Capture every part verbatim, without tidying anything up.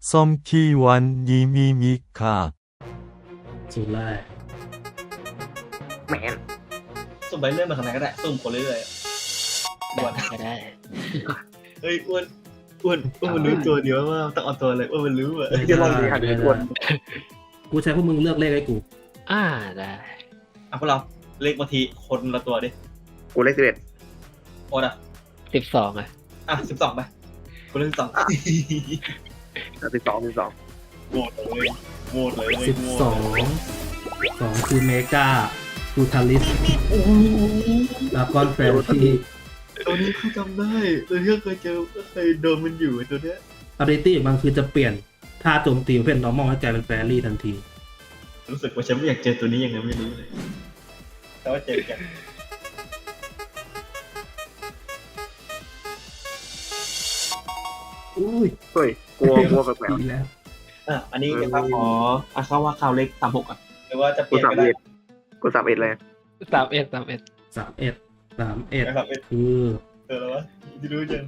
썸키완님이니까 สูตรแรกแมนสุ่มไปเรื่อยมาทางไหนก็ได้สุ่มคนเรื่อยๆอ้วนก็ได้เฮ้ยอ้วนอ้วนอ้วนมันรู้ตัวเดียวว่าต้องเอาตัวอะไรอ้วนมันรู้อะไม่จะลได้องดีหันไม่อ้วนได้กูใช้พวกมึงเลือกเลขให้กูอ่าได้อ่ะพวกเราเลขบางทีคนละตัวดิกูเลขสิบเอ็ดโอ้ดอ่ะสิบสองอ่ะอ่ะสิบสองไปคนเลขสิบสองสิบสองสิบสองโหวตเลยโหวตเลยสิบสองสองคือเมกาฟูทาลิสดากอนแฟนที่ตัวนี้คือจำได้ตัวที่เคยเจอเคยโดนมันอยู่ตัวเนี้ยอาริตี้มันคือจะเปลี่ยนท่าโจมตีเป็น normal ให้กลายเป็นแฟรี่ทันทีรู้สึกว่าฉันไม่อยากเจอตัวนี้ยังไงไม่รู้เลยแต่ว่าเจอกันอุ้ยเฮ้ยกลัวกลัวแปลกดีแล้วอ่ะอันนี้นะครับขออ่ะเข้าว่าข่าวเลขสามหกอ่ะหรือว่าจะๆเปกูลี่ยนสามก็ได้เอ็ดกูสามเอ็ดเลยสามเอ็ดสามเอ็ดสามเอ็ดสามเอ็ดนะครับเอ็ดคือเจอแล้ววะที่รู้จัง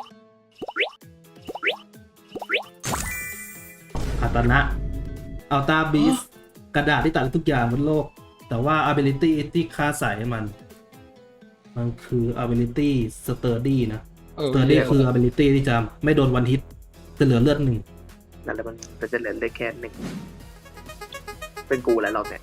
คาตานะอัลตาบีสกระดาษที่ตัดได้ทุกอย่างบนโลก แต่ว่า ability ที่ค่าใส่มัน มันคือ ability sturdy นะ sturdy คือ ability ที่จะไม่โดนวันฮิตจะเหลือเลือดหนึ่งนั่นแหละมันจะจะเหลือเลขแค่หนึ่งเป็นกูแล้วเราเนี่ย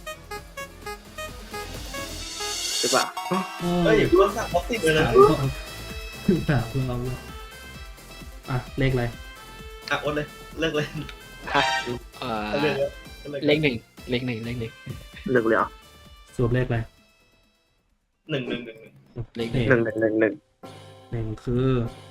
ใช่ป่ะเฮ้ยอย่าพูดว่าท็อปติดเลยนะสามรอบสามรอบแล้วอ่ะ เลขอะไรอ่ะอดเลยเลิกเลยอ่าเลิกเลยเลขหนึ่งเลขหนึ่งเลขหนึ่งหนึ่งเลยเหรอสวมเลขอะไรหนึ่งหนึ่งหนึ่งหนึ่งเลขหนึ่งหนึ่งหนึ่งหนึ่งหนึ่งหนึ่งคือ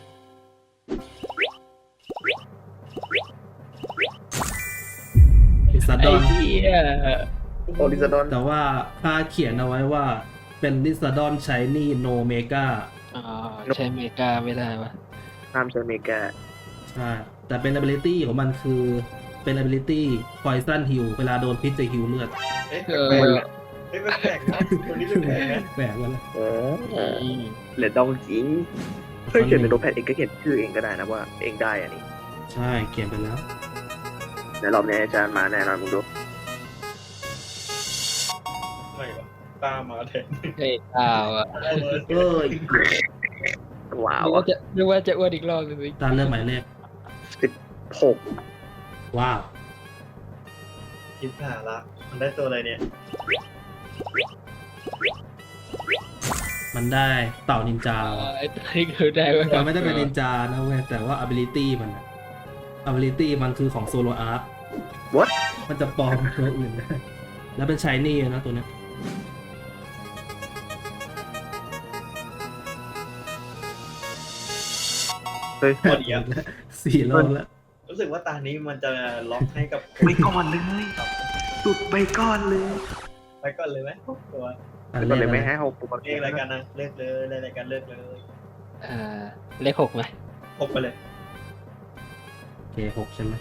ลิซาดไอ้อนเหี้ยโอลิซาดอนแต่ว่าค่าเขียนเอาไว้ว่าเป็นลิซาดอนใช้นี่โนเมกาอ่าใช้เมกาไม่ได้ปะห้ามใช้เมกาใช่ แต่เป็น ability ของมันคือเป็น ability poison heal เวลาโดนพิษจะ heal เลือดเอ๊ะเอแปลอกๆเอ๊ะแปลกๆนะคนนี้แปลกๆนะแปลกแล้วนะเออเหลือดองจริงเฮ้ยเขียนในโนตแพดเองก็เขียนชื่อเองก็ได้นะว่าเองได้อันนี้ใช่เขียนไปแล้วในรอบนี้อาจารย์มาแน่นอนมึงดูไม่วะตามมาแทนเฮ้ยอ้าวอ่ะเอ้ยว้านึวกว่าจะนึกว่าจะอ้วนอีกรอบนึงสิตาเลือกหมายเลขหกว้าวคิดผ่าละมันได้ตัวอะไรเนี่ยมันได้เต่านินจาอ่าไอ้ตัวนี้คือได้ไหมมันไม่ได้เป็นนินจานะเว้ยแต่ว่า ability มันอะ ability มันคือของโซโลอาร์ What? มันจะปลอมตัวอื่นได้แล้วเป็นชายนี่นะตัวเนี้ยเฮ้ยหมดอีกแล้วสี่รอบแล้วรู้สึกว่าตานี้มันจะล็อกให้กับไปก่อนเลยตุดไปก่อนเลยไปก่อนเลยไหมตัวอันไปเลก่อนขเลยอะไรไม่ให้เขาปุกเรียกรายการนะเลิกเลยเรียกรายการเลิกเลยอ่าเลขหกไหมพกไปเลยโอเคหกใช่ไหม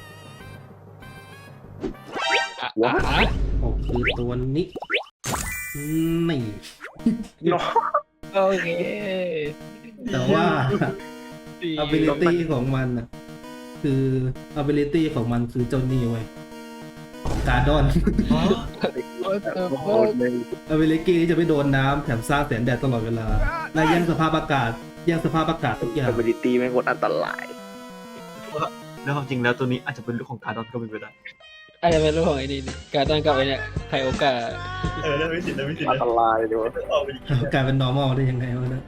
อ่ะอ่ะอ่ะหกคือตัวนี้นี่เนาะโอเคแต่ว่าดี ability ของมันอ่ะคือ ability ของมันคือเจ้านี่เว้ยของการ์ดอนโคตรเลย ability ที่จะไม่โดนน้ำแถมสร้างแสงแดดตลอดเวลาและแย่งสภาพอากาศแย่งสภาพอากาศทุกอย่างเอเบลิตี้แม่งโคตรอันตรายแล้วความจริงแล้วตัวนี้อาจจะเป็นลูกของการดอนก็เป็นไปได้อาจจะเป็นรูปของไอ้นี่นี่การตั้งกับไอ้เนี่ยไคโอกาเออได้ไม่สิทธิ์ได้ไม่สิทธิ์อันนะตรายเลยวะออกไปอย่างนี้กลายเป็น normal ได้ยังไงวะเนะ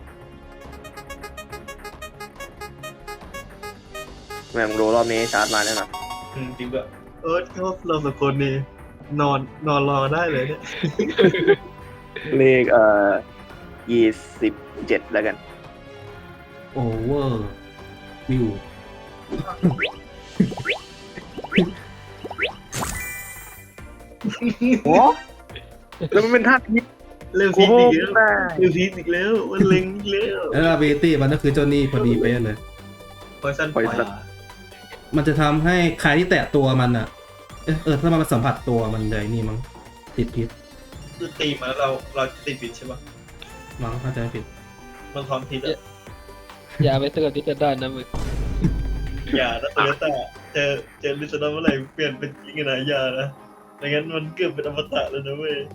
แม่งรู้รอบนี้ชาร์จมาแน่นอนอืมจริงแบบเออชอบเราสองคนนี่นอนนอนรอได้เลยเนี่ยเลขเอ่อยี่สิบเจ็ดแล้วกัน over view โอ้แล้วมันเป็นท่าพิษเริ่มโอ้พีโหคอีกแล้วเริ่มพีคอีกแล้วมันเล็งอีกแล้วแล้ว ability มันก็คือเจ้านี่พอดีเป๊ะเลยพอยซัน Poison มันจะทำให้ใครที่แตะตัวมันอ่ะ เอะเออถ้ามันสัมผัสตัวมันเลยนี่มั้งติดพิษคือตีมาแล้วเราเราติดผิดใช่ปะมั้งเข้าใจผิดมันพร้อมพิษอะอย่าไปเตือนที่จะได้นะมึงอย่านะโตโยต้าเจอเจอลิซนาเมื่อไหร่เปลี่ยนเป็นจิงกันหายานะไม่งั้นมันเกือบเป็นอมตะแล้วนะเว้ย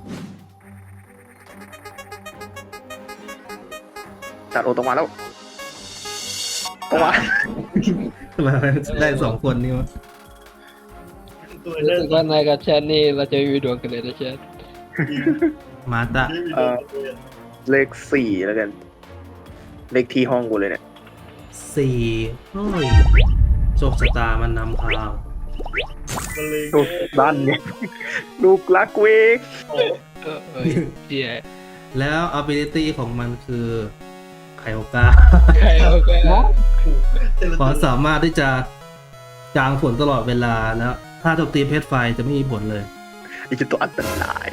จัดโอตรงมาแล้วตรงมาทำไมได้สองคนนี่วะตัวรู้นั้นสึกว่านายกับแชทนี่เราจะมีดวงกันเลยนะแชทมาตะไม่มีตัวเลยเลขสี่แล้วกัน เลขที่ห้องกูเลยเนี่ยสี่เฮ้ยโชคชะตามันนำทางมันเลยลูกบ้านเนี่ยลูกรักเวกโอ้เออเออเจียแล้ว ability ของมันคือไคโอกาใครเอาไปแล้วแต่ละคตัววามสามารถที่จะจางฝนตลอดเวลาแล้วถ้าโจมตีเพชรไฟจะไม่มีผลเลยนี่คือตัวอันตราย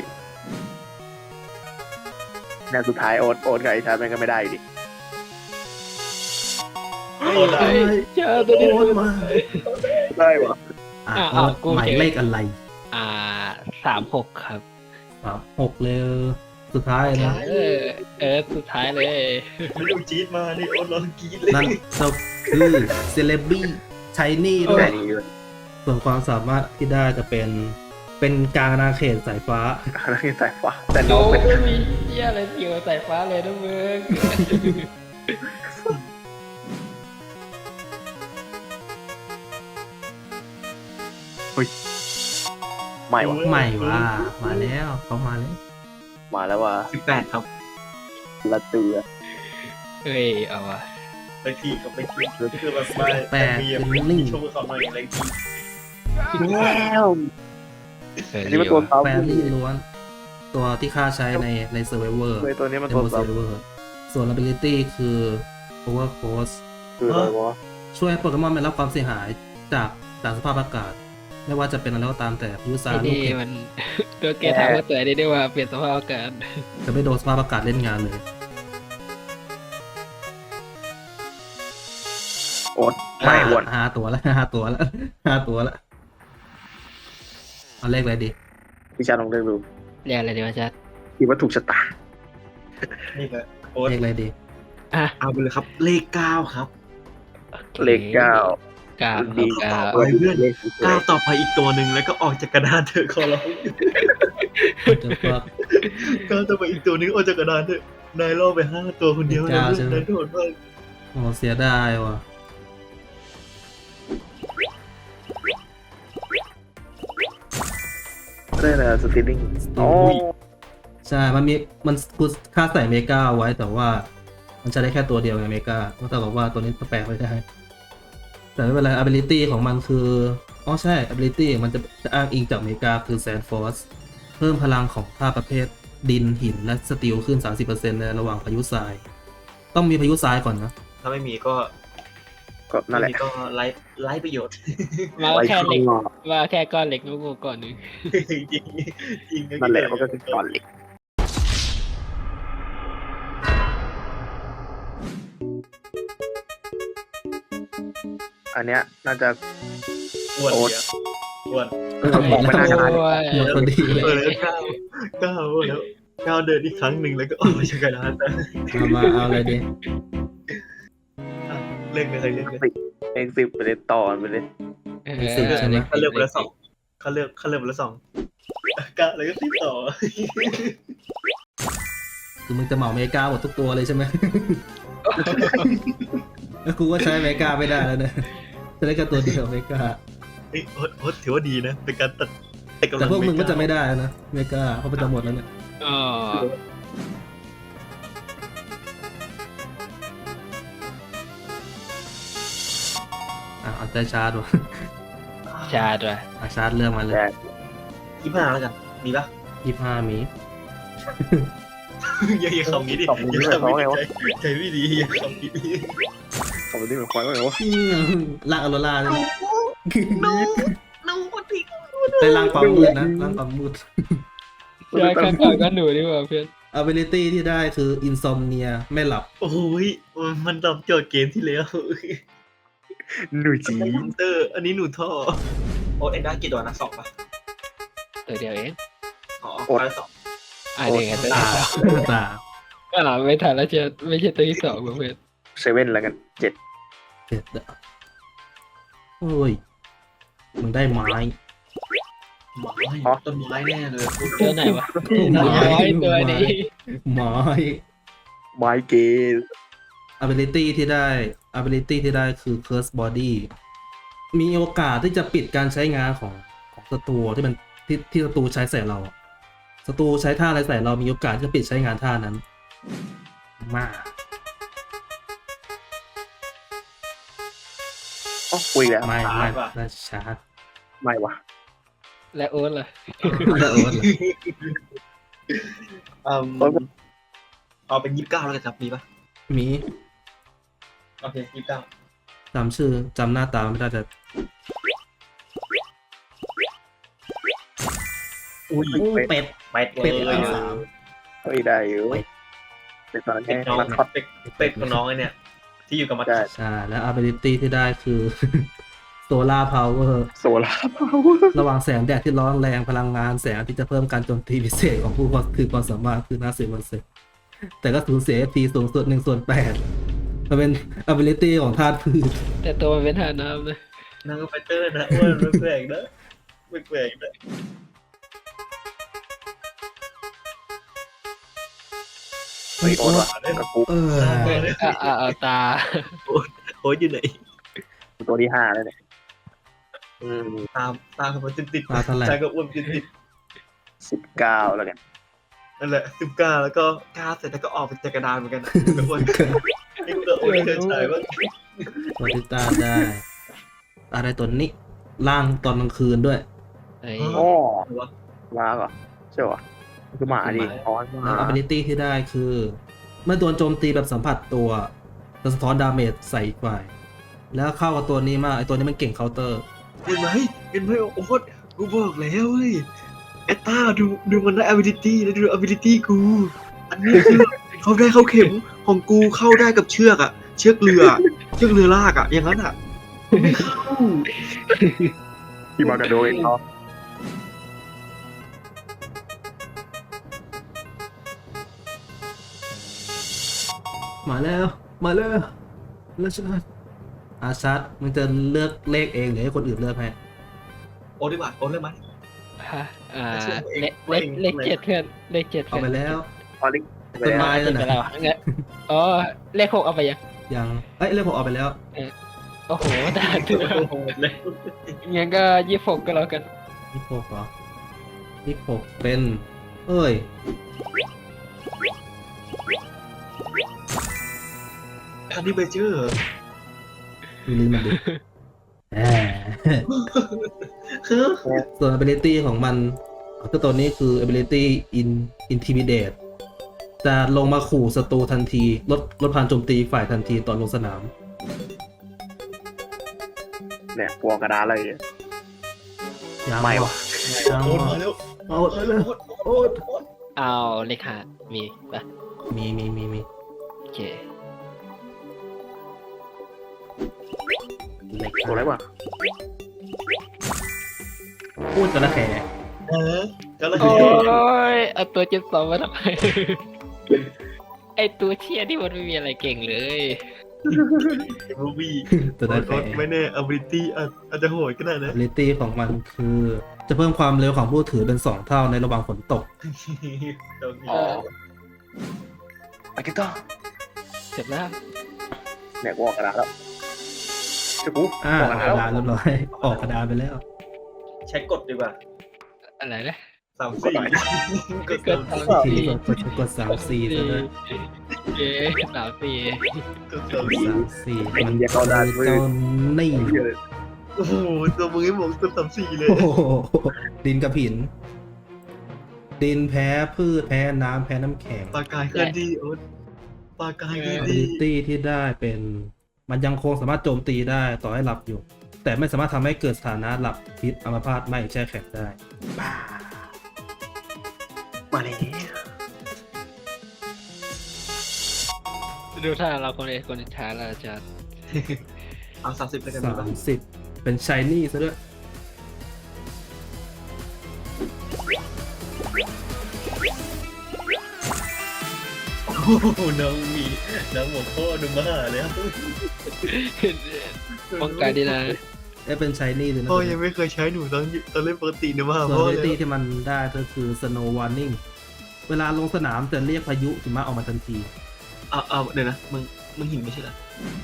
แนวสุดท้ายโอ๊ตโอ๊ตกับไอ้ชาร์มันก็ไม่ได้อยู่ดิเฮ้ยเจอตัวนี้โอ๊ตมาได้วะอ่ะอ่ะโอ๊ตกูหมายเห็นเลขอะไรอ่าสามหกครับครับหกเลยสุดท้ายนะเออเออสุดท้ายเลยไม่ดูจี๊ดมานี่โอ้ร้องกรี๊ดเลยนั่นก็คือเซเลบี้ชายนี่ด้วแต่ยนี่ด้วยส่วนความสามารถที่ได้จะเป็นเป็นกลางอาณาเขตสายฟ้าแล้วนี่สายฟ้าแต่น้โอ้องเป็นไม่มีเหี้ยอะไรเกี่ยวกับสายฟ้าเลยนะมึงใหม่วะใหม่ว่ามาแล้วเขามาแล้วมาแล้วว่ะสิบแปดครับละเตือเฮ้ยเอาวะไปทีกับไปทีคือแบบมาแปดมีเป็นลิงโชว์เขาหน่อยอะไรทีแล้วเอออันนี้มันตัวดีเต้าแฟรี่ล้วน ตัวที่ข้าใช้ในในเซอร์ไวเวอร์เลยตัวนี้มันในตัวโมเซเต้าอร์ไวเวอร์ส่วน ability คือ power cost คืออะไรวะช่วยให้โปเกมอนไม่รับความเสียหายจากจากสภาพอากาศ ไม่ว่าจะเป็นอะไรก็ตามแต่พายุทไอ้รายลูกนี่เห็บมันตัวเกถามว่าตัวไหนได้ว่าเปลี่ยนสภาพอากาศจะไม่โดนสภาพอากาศเล่นงานเลยโอ๊ตใหม่อ้วนห้าตัวแล้วห้าตัวแล้วห้าตัวแล้วเอาเลขอะไรดีพี่ชาลองเลือกดูเรียกอะไรดีวะแชทคิดว่าถูกชะตานี่แหละโอ๊ตเลขอะไรดีอ่ะเอาไปเลยครับ เลขเก้าครับเลขเก้าเก้าดีเก้าเฮ้ยเพื่อน เก้าต่อไปอีกตัวหนึ่งแล้วก็ออกจากกระดานเถอะขอร้องจะฟักเก้าต่อไปอีกตัวหนึงออกจากกระดานเถอะนายล่อไปห้าตัวคนเดียวเก้าใช่ไหมนายโดดมากโอ้เสียดายว่ะได้เลยสติลลิ่งโอ้ใช่ มันมี มันกูค่าใส่เมกาไว้ แต่ว่า มันใช้ได้แค่ตัวเดียวไงเมกาก็เท่ากับว่าตัวนี้แปลไม่ได้ แต่ไม่เป็นไร ability ของมันคือ อ๋อใช่ ability มันจะจะอ้างอิงจากเมกาคือ Sand Force เพิ่มพลังของธาตุประเภทดินหินและสตีลขึ้น สามสิบเปอร์เซ็นต์ ในระหว่างพายุทราย ต้องมีพายุทรายก่อนนะถ้าไม่มีก็ก็นั่นแหละไม่มีก็ไร้ไร้ประโยชน์มาไว้แค่เหล็กข้างนอกมาแค่ก้อนเหล็กลูกก่อนหนึงจริงจริงนั่นแหละมันก็คือก้อนเหล็กอันเนี้ยน่าจะอ้วนโอ๊ตเนี่ยอ้วนมองไม่น่าจะได้โอ้ยหมดพอดีเลยเออแล้วเก้าเก้าแล้วเก้าเดินอีกครั้งหนึ่งแล้วก็ออกมาจากกระดานแต่เอามาเอาอะไรดีเล่นไปเลยเล่นไปสิบเองสิบไปเลยต่อไปเลยเออสิบใช่ไหมเขาเลือกไปแล้วสองเขาเลือกเขาเลือกไปแล้วสองเก้าแล้วก็ติดต่อคือมึงจะเหมาเมกาหมดทุกตัวเลยใช่ไหม แล้วกูก็ใช้เมกาไม่ได้แล้วนะจะได้แค่ตัวเดียวเมกาเฮ้ยโอ๊ตโอ๊ตถือว่าดีนะเป็นการตัดแต่กำลัแต่งพวกมึงก็ไล้าจะไม่ได้แล้วนะเมกาเพราะมันจะหมดแล้วเนี่ยอ๋ออ่ะเอาใจชาร์จวะชาดว่ะอ่ะชาร์จเรื่องมาเลยแต่ยี่ห้าแล้วกันมีปะยี่ห้ามีอย่าอย่าคำนี้ดิสองนิ้วอย่าเขาคำไงนี้วะใจใจไม่ดีอย่าคำนี้ดิเขาไม่ได้เหมือนควายว่าไงวะอืมลากอโรล่าเลยนะนูนูทิ้งไปล่างความมืดนะล่างความมืดยายข้างก่อนก็หนูดีกว่าเพื่อน ability ที่ได้คือ insomnia ไม่หลับโอ้ยมันตอบโจทย์เกมที่แล้วหนูจีคอมเตอร์ อันนี้หนูท่อโอ๊ตเอ็นได้กี่ตัวนะสองปะตัวเดียวเองอ๋อไปสองอ่าเด็กตัวตาที่สองตาก็หลังไม่ทันแล้วจะไม่ใช่ตัวที่สองเพื่อนเซเว่นแล้วกันเจ็ดเจ็ดอะโอ้ยมึงได้ไม้ไม้ต้นไม้แน่เลยตัวไหนวะน้อยตัวนี้ไม้ไมเกน ability ที่ได้ ability ที่ได้คือ curse body มีโอกาสที่จะปิดการใช้งานของของศัตรูที่มันที่ที่ศัตรูใช้ใส่เราอะศัตรูใช้ท่าอะไรใส่เรามีโอกาสที่จะปิดใช้งานท่านั้น มากอ๋อคุยแล้วไม่ไม่น่าชาร์จไม่วะและโอ๊ตล่ะแล้วโอ๊ตเหรออืมเอาเป็นยี่สิบเก้าแล้วกันครับมีปะมีโอเคยี่สิบเก้าจำชื่อจำหน้าตาไม่ได้แต่อุ้ยเป็ดเป็ดเป็ดเลเป็ดยอันสามเฮ้ยได้อยู่เป็ดเป็ดตอนเป็นี้ดน้องมันคอดเป็ดเป็ดของน้องไอเนี่ย ที่อยู่กับมัดได้ใช่แล้ว ability ที่ได้คือ solar power โซลาร์พาวเวอร์ระหว่างแสงแดดที่ร้อนแรงพลังงานแสงที่จะเพิ่มการโจมตีพิเศษของผู้คือความสามารถคือห้าสิบเปอร์เซ็นต์แต่ก็สูญเสีย เอฟ พี สูงสุดหนึ่งส่วนแปดมันเป็น ability ของธาตุพืชแต่ตัวมันเป็นทาน้ำนะนางก็ไฟเตอร์นะอ้วนแปลกๆนะแปลกๆนะเฮ้ยโอ๊ตว่ะกระปุกเอออ่ะอ่ะเอาตาโอ้ยอยู่ไหนตัวที่ห้าแล้วเนี่ยอืมตามตามมันติดติดมาเท่าไหร่ใจก็อ้วนติดติดสิบเก้าแล้วกันนั่นแหละสิบเก้าแล้วก็เก้าเสร็จแล้วก็ออกเป็นจักรดานเหมือนกันนะอ้วนนี่ก็อ้วนเคยใช้ว่าตัวที่ตาได้ อะไรตัวนี้ล่างตอนกลางคืนด้วยไอ้อ๋อว้าเหรอใช่เหรอคือหมาดิอ๋อหแล้วมา ability ที่ได้คือ เมื่อโดนโจมตีแบบสัมผัสตัวจะสะท้อนดาเมจใส่อีกฝ่ายแล้วเข้ากับตัวนี้มากไอตัวนี้มันเก่งเคาน์เตอร์เห็นไหมเห็นไหมโอ้โหกูบอกแล้วเว้ยไอ้ต้าดูดูมันได้ ability แล้วดู ability กู อันนี้คือเขาได้เข้าเข็มของกูเข้าได้กับเชือกอะเชือกเรือ เชือกเรือลากอะอย่างนั้นอะไม่เข้าที่มากระโดดเนาะมาแล้ว มาแล้วแล้วชัดอาชัดมึงจะเลือกเลขเองหรือให้คนอื่นเลือกให้โอ้ดีกว่าโอ้เรื่องไหมฮะอ่าเลขเลขเลขเจ็ดเพื่อนเลขเจ็ดเอาเพื่อนไปแล้วพอลิกต้นไม้เจ็ดไปแล้วงั้นอ๋อเลขหกเอาไปยังยังเอ้ยเลขผมเอาไปแล้วโอ้โหตาตัวโอ้โหเลยงั้นก็ยี่สิบหกก็แล้วกันยี่สิบหกเหรอยี่สิบหกเป็น เอ้ยอันนี้ไปเจอดูลิ้นมันดิแหมคือส่วน ability ของมันก็ตัวนี้คือ ability in intimidate จะลงมาขู่ศัตรูทันที ลดลดพลังโจมตีฝ่ายทันทีตอนลงสนามเนี่ยพวงกระดาษอะไรเนี่ยยังไม่วะยังโอ้วะมาแล้วเอาเลยโอ้โอ้เอาเลขห้ามีปะมีมีมีมีโอเคเล็กตัวอะไรวะพูดจระแขเออก็แล้วโอ้ยเอาตัวเจ็ดสองมาทำไม ไอตัวเชี่ยที่มันไม่มีอะไรเก่งเลยมูวี่จระแขไม่แน่ ability อาจจะโหดก็ได้นะ ability ของมันคือ จะเพิ่มความเร็วของผู้ถือเป็นสองเท่าในระหว่างฝนตกอ๋อไปกันต่อเสร็จแล้วเนี่ยวงกระดาษแล้วจะกูอ่าพอวงอกกระกดาษระแล้วดาษเรียบร้อย ออกกระดาษไปแล้วใช้กดดีกว่าอะไรนะสามสี่กดก็สามสามทีสี่กดกดสามสี่ซะด้วยเอ๊ะสามสี่กดสามสี่สามสี่มันเดี๋ยวเขาได้มือเจ้านี่โอ้โหตัวมึงให้หมกตัวสามสี่เลยโอ้โหดินกับหิน ดินแพ้พืชแพ้น้ำแพ้น้ำแข็งปลากายเคลื่อนที่โอ๊ตปลากายเคลื่อนที่ ability ที่ได้เป็น มันยังคงสามารถโจมตีได้ต่อให้หลับอยู่ แต่ไม่สามารถทำให้เกิดสถานะหลับพิษอัมพาตไม่แช่แข็งได้มาเลยดูถ้าเราคนเอกคนช้าเราจะเอาสามสิบแล้วกันสามสิบเป็นชายนี่ซะด้วยโอ้โหน้องมีน้องหมกพ่อดูมาเลยครับป้องกันดีนะเอ้ยเป็นชายนี่เลยนะพ่อยังไม่เคยใช้หนูตอนตอนเล่นปกตินะว่าส่วนพ่อ ability เลยที่มันได้ก็คือ snow warning เวลาลงสนามจะเรียกพายุหิมะออกมาทันทีเอาเอาเดี๋ยวนะมึงมึงหินไม่ใช่เหรอ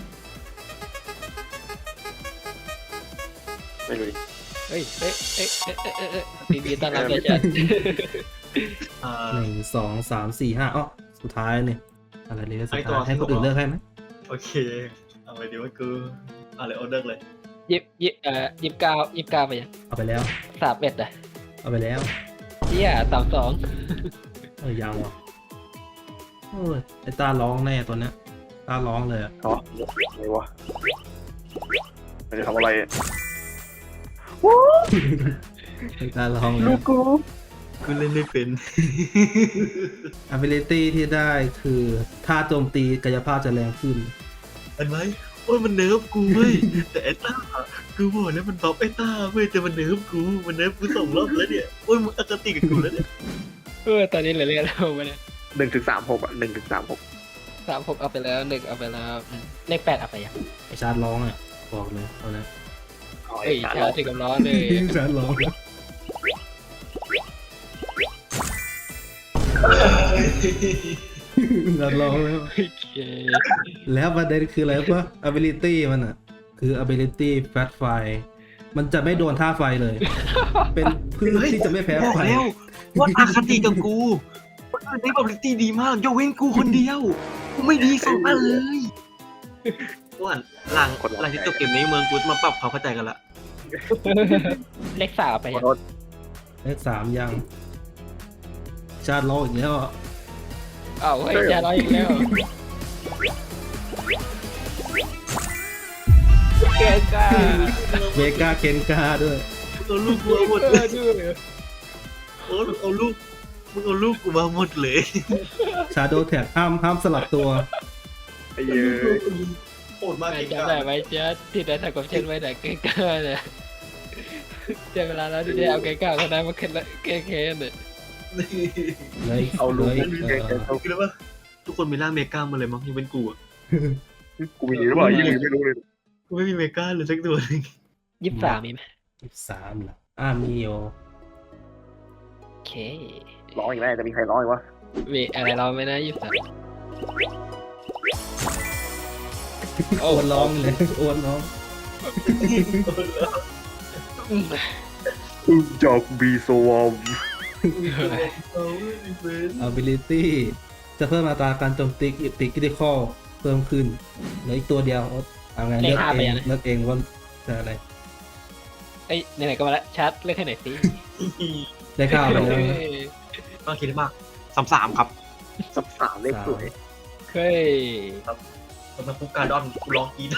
ไม่รู้ดิเฮ้ยเอ้ยเอ้ยเอ้ยเอ้ยเอ้ยเอ้ยดีดีต้อนรับเลยจัดอ่าหนึ่งสองสามสี่ห้าอ๋อสุดท้ายเนี่ยอะไรเลยสุดไอ้ตัวท้ายให้คนอื่นเลือกให้ไหมโอเคเอาไปดีว่ากูเอาเลยออเดอร์เลยยิบยิบเอ่อยิบเก้ายิบเก้าไปยังเอาไปแล้วสามเอ็ดอ่ะเอาไปแล้วเที่ยสามสองเออยังวะโอ้ยไอตาร้องแน่ตัวเนี้ยตาร้องเลยอะอ๋ออะไรวะมันจะทำอะไรอะไอตาร้องเลยลูกกูกูเล่นไม่เป็น ability ที่ได้คือถ้าโจมตีกายภาพจะแรงขึ้นเห็นไหมโอ้ยมันเนิร์ฟกูเว้ยแต่ไอ้ต้ากูบอกแล้วมันบัฟไอ้ต้าเว้ยแต่มันเนิร์ฟกูมันเนิร์ฟกูสองรอบแล้วเนี่ยโอ้ยมึงอคติกับกูแล้วเนี่ยเออตอนนี้เหลือเรียนแล้วมาเนี่ยหนึ่งถึงสามหกอ่ะหนึ่งถึงสามหกสามหกเอาไปแล้วหนึ่งเอาไปแล้วอืมเลขแปดเอาไปยังไอชาร์ดร้องอ่ะบอกเลยเอานะเฮ้ยชาถึงกับร้อนเลยชาร์ดร้องชาร์ดร้องแล้วโอเคแล้วประเด็นคืออะไรปะ ability มันอ่ะ คือ ability fat fire มันจะไม่โดนท่าไฟเลย เป็นพืชที่จะไม่แพ้บอกไฟแล้วว่าอคติกับกูคนอื่นได้บัฟลิตี้ดีมากยกเว้นกูคนเดียวกูไม่ดีสองอันเลยอ้วนหลังหลังที่จบเกมนี้เมืองกูมาปรับความเข้าใจกันละเลขสามเอาไปขอยังโทษเลขสามยัง ชาร์ดร้องอีกแล้วอะอ้าวเฮ้ยจะร้อยอีกแล้วเก่งจ้าเวก้าเคนกาด้วยเอาลูกกูมาหมดเอเลอย ด้วยโอ้เอาลูกมึงเอาลูกกูมาหมดเลยชาโดว์แท็กห้ามห้ามสลับตัวไอ้เหี้ยโหดมากไม่เก่งจำได้ไหมเจ๊ที่ได้ทำกับเช่นไว้ไหนเก่งก้าเนี่ยเจอเวลาแล้วที่ได้เอาเก่งก้าคนนั้นมาขึ้นละเก่งเคนเนี่ยเลยเอาลูกเลยกูเออเอาคือแล้วว่าทุกคนมีร่างเมกามาเลยมั้งยังเป็นกูอ่ะกูมีหรือเปล่ายี่หรือไม่รู้เลยกูไม่มีเมกาเลยสักตัวหนึงยี่สิบสามมีไหมสิบสามเหรออ่ามีโอโอเคร้องอีกแล้วจะมีใครร้องอีกวะมีอะไรเราไม่นะยี่สิบสามโอนร้องเลยโอนร้องจากบีโซวอมเอาไม่เป็น ability จะเพิ่มอัตราการโจมตีติคริติคอลเพิ่มขึ้นเหลืออีกตัวเดียวโอ๊ตเอาไงเลือกเองเลือกเองว่าจะอะไรเอ้ยไหนๆก็มาแล้วชัดเลือกให้หน่อยสิได้ข้าวไปแล้วมากคิดมากสามสามครับสับสามเลขสวยเฮ้ยสำหรับกูการดอนกูลองกิน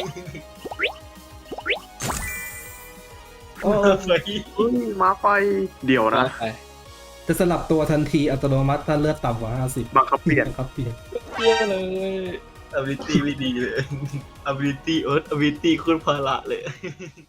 โอ้ไฟอุ้ยมาไฟเดี๋ยวนะไปจะสลับตัวทันทีอัตโนมัติถ้าเลือดต่ำกว่าห้าสิบบังคับเปลี่ยนครับเปลี่ยนเยี่ยเลย ability ไม่ดีเลย ability เอิร์ธ ability โคตรภาระเลย